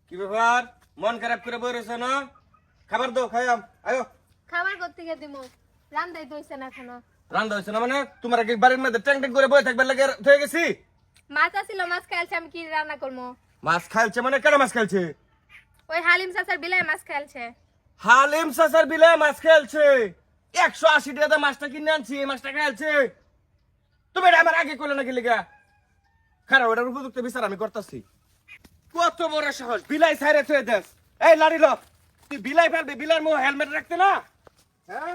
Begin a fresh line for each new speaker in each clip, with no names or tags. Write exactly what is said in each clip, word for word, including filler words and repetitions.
কি ব্যাপার মন খারাপ করে বই রয়েছে না? খাবার দাও খাইয়াম আয়ো।
খাবার করতে গিয়ে দিমু রান্দাই দইছে না এখনো।
রান্না হয়েছে না মানে তোমার কি বাড়ির মধ্যে ট্যাং ট্যাং করে বই থাকবে লাগে হয়ে গেছি?
মাছ আছিল মাছ খাইছে আমি কি রান্না করবো?
মাছ খাইছে মানে কেন মাছ খাইছে?
ওই হালিম চাচার বিলাই মাছ খাইছে।
হালিম চাচার বিলে মাছ খেলছে একশো আশি টাকা মাছটা কিনে আনছি এই মাছটা খেলছে। তুমি এটা আমার আগে করলে নাকি লিগা? খারাপ ওটার উপযুক্ত বিচার আমি করতেছি। কত বড় সাহস বিলাই ছাইরে থুয়ে দেস। এই লাড়ি ল তুই বিলাই ফেলবি বিলার মুখ হেলমেট রাখতে না? হ্যাঁ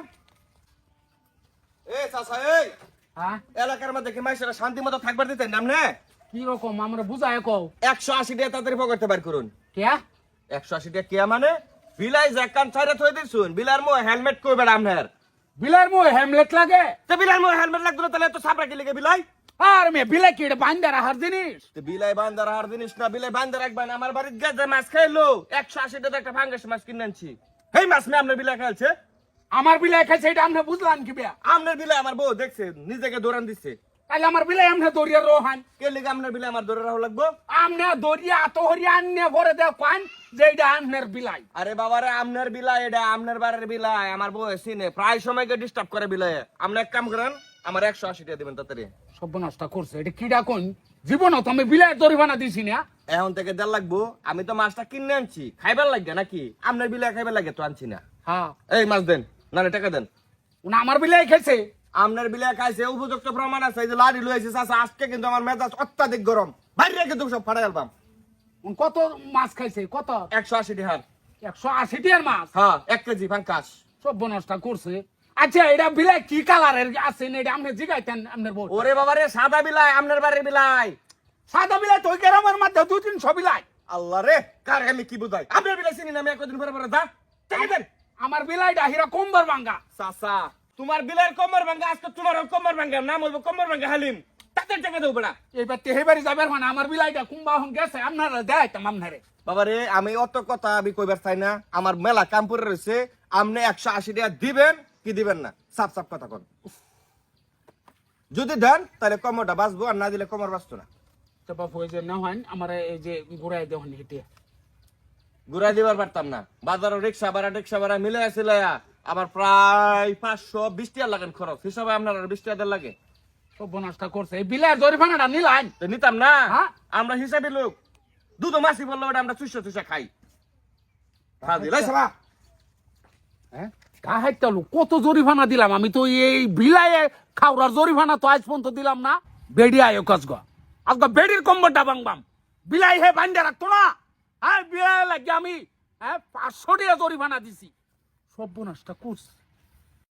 এই চাচা এই
হ্যাঁ
এলাকার মধ্যে কি মাইসেরা শান্তি মতো থাকবার দিতেন নাম না?
কি রকম আমরা বুঝায় কও
একশো আশি টাকা তাড়াতাড়ি পকেটে বার করুন।
কে
একশো আশি টাকা কে মানে? বিলাই জ্যাকান ছাইরে থুয়ে দিছুন বিলার মুখ হেলমেট কইবে আমনের।
বিলার মো হেমলেট লাগে
তো বিলার মুখ হেলমেট লাগতো না তাহলে তো সাপ রাখি লিগে বিলাই?
আর মে বিলাই কি বান্দা রাহার জিনিস
তো বিলাই বান্দার আর জিনিস না বিলাই বান্দার রাখবেন। আমার বাড়ির গেজে মাছ খাইলো একশো আশি টাকা একটা ফাঙ্গাস মাছ কিনে আনছি এই মাছ মে আপনার বিলাই খাইছে।
আমার বিলাই খাইছে এটা আমরা বুঝলাম কি বিয়া
আপনার বিলাই আমার বউ দেখছে নিজেকে দৌড়ান দিচ্ছে।
তাহলে আমার বিলাই আমরা দরিয়া রোহান
কে লিগে আপনার বিলাই আমার দৌড়ে রাখা লাগবো?
আমনে দরিয়া আতহরিয়া আননে ভরে দেও কান যে এটা আমনের বিলাই।
আরে বাবারে আপনার বিলাই এটা আপনার বাড়ির বিলাই আমার বউ সিনে প্রায় সময়কে ডিস্টার্ব করে বিলাই। আপনি এক কাম করেন আমার একশো আশি টাকা দিবেন তাড়াতাড়ি।
সর্বনাশটা করছে এটা কিডা কোন জীবন তো আমি বিলাই দরিবানা দিছি না।
এখন থেকে দেড় লাগবো আমি তো মাছটা কিনে আনছি খাইবার লাগে নাকি? আপনার বিলাই খাইবার লাগে তো আনছি না।
হ্যাঁ
এই মাছ দেন না টাকা দেন।
উনি আমার বিলাই খাইছে
আপনার বিলাই খাইছে উপযুক্ত প্রমাণ আছে। এই যে লাড়ি লইছে চাচা আজকে কিন্তু আমার মেজাজ অত্যাধিক গরম বাইরে কিন্তু সব ফাটাই আলবাম।
উনি কত মাছ খাইছে কত?
একশো আশি টাকার
একশো আশি টিয়ার মাছ।
হ্যাঁ এক কেজি ফাঙ্কাস।
সর্বনাশটা করছে। আচ্ছা এটা বিলাই কি কালারের আছে না এটা আপনি জিগাইতেন আপনার বউ?
ওরে বাবারে সাদা বিলাই আপনার বাড়ির বিলাই।
সাদা বিলাই তো ওই গ্রামের মধ্যে দুই তিনশো বিলাই।
আল্লাহ রে কার আমি কি বুঝাই? আপনার বিলাই চিনি না আমি একদিন পরে পরে দা টাকা দেন।
আমার বিলাইটা হিরা কম্বর ভাঙ্গা।
চাচা তোমার বিলাইয়ের কোমর ভাঙ্গা আজকে তোমার কোমর ভাঙ্গা নাম হইব কোমর ভাঙ্গা হালিম তাদের টাকা দেবো বেড়া।
এইবার তেহেবারি যাবার মানে আমার বিলাইটা কুম্বা হন গেছে আপনারা দেখাইতাম আপনারে।
বাবারে আমি অত কথা আমি কইবার চাই না। আমার মেলা কাম পড়ে রয়েছে আপনি একশো আশি টাকা দিবেন কি দিবেন না সাপ সাপ কথা কন। যদি দেন তাহলে কোমরটা বাঁচবো আর না দিলে কোমর বাঁচতো না।
তো বাপ ওই যে না হয় আমার এই যে ঘুরাই দেওয়ান হেঁটে
ঘুরাই দিবার পারতাম না। বাজারও রিক্সা ভাড়া রিক্সা ভাড়া মিলে আসছিল আমার প্রায় পাঁচশো বিশ টাকা লাগেন খরচ হিসাবে আপনার আর বিশ টাকা লাগে।
সর্বনাশটা করছে এই বিলাইয়ের জরিমানাটা নিলাম
তো নিতাম না
হ্যাঁ?
আমরা হিসাবে লোক দুধ মাছি বললো ওটা আমরা চুষা চুষা খাই।
হ্যাঁ কাহাইতে কত জরিমানা দিলাম আমি তো এই বিলাইয়ে খাওয়ার জরিমানা তো আজ পর্যন্ত দিলাম না। বেডি আয়ো কাজ গা আজকে বেডির কম্বরটা ভাঙবাম বিলাই হে বান্ধে রাখতো না। হ্যাঁ বিলাই লাগে আমি হ্যাঁ পাঁচশো টাকা জরিমানা দিছি। সর্বনাশটা করছে।